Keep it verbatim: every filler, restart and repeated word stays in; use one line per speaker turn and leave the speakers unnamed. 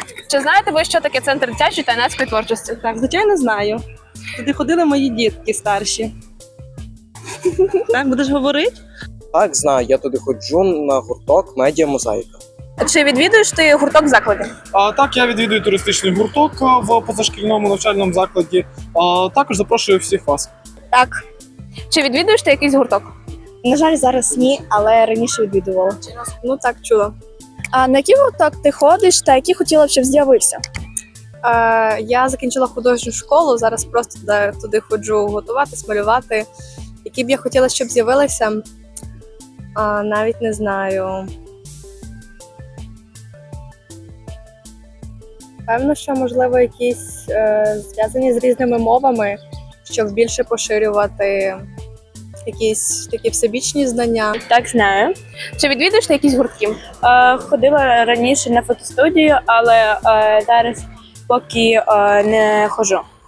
Чи знаєте ви, що таке центр дитячої та юнацької творчості?
Так, звичайно, знаю. Туди ходили мої дітки старші. Так, будеш говорити?
Так, знаю, я туди ходжу на гурток медіа мозаїка.
Чи відвідуєш ти гурток в закладі?
А, так, я відвідую туристичний гурток а, в позашкільному навчальному закладі. А, також запрошую всіх вас.
Так. Чи відвідуєш ти якийсь гурток?
На жаль, зараз ні, але раніше відвідувала.
Ну так, чула.
А на який гурток ти ходиш та який хотіла б, щоб з'явився?
Е, я закінчила художню школу, зараз просто туди, туди ходжу готуватись, малювати. Які б я хотіла, щоб з'явилися, а, навіть не знаю. Певно, що, можливо, якісь е, зв'язані з різними мовами, щоб більше поширювати якісь такі всебічні знання.
Так, знаю.
Чи відвідуєш ти якісь гуртки?
Е, ходила раніше на фотостудію, але е, зараз поки е, не ходжу.